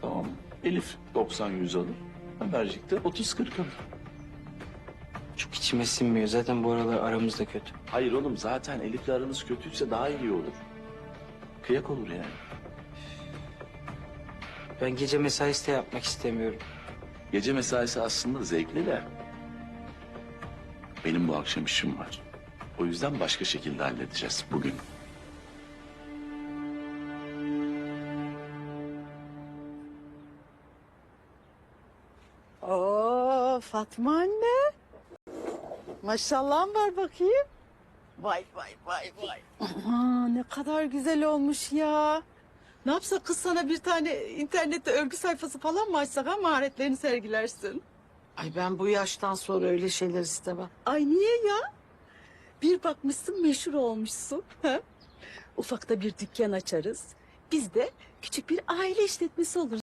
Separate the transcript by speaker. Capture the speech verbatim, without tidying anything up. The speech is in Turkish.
Speaker 1: Tamam mı? Elif doksan yüz alır. Ömercik de otuz kırk alır.
Speaker 2: Çok içime sinmiyor. Zaten bu aralar aramız da kötü.
Speaker 1: Hayır oğlum, zaten Elif'le aranız kötüyse daha iyi olur. Kıyak olur yani.
Speaker 2: Ben gece mesaisi de yapmak istemiyorum.
Speaker 1: Gece mesaisi aslında zevkli de benim bu akşam işim var. O yüzden başka şekilde halledeceğiz bugün.
Speaker 3: Oo Fatma anne. Maşallah var bakayım. Vay vay vay vay. Aa, ne kadar güzel olmuş ya. Ne yapsak kız, sana bir tane internette örgü sayfası falan mı açsak, ha maharetlerini sergilersin.
Speaker 4: Ay ben bu yaştan sonra öyle şeyler istemem.
Speaker 3: Ay niye ya? Bir bakmışsın meşhur olmuşsun. Ha? Ufakta bir dükkan açarız. Biz de küçük bir aile işletmesi oluruz.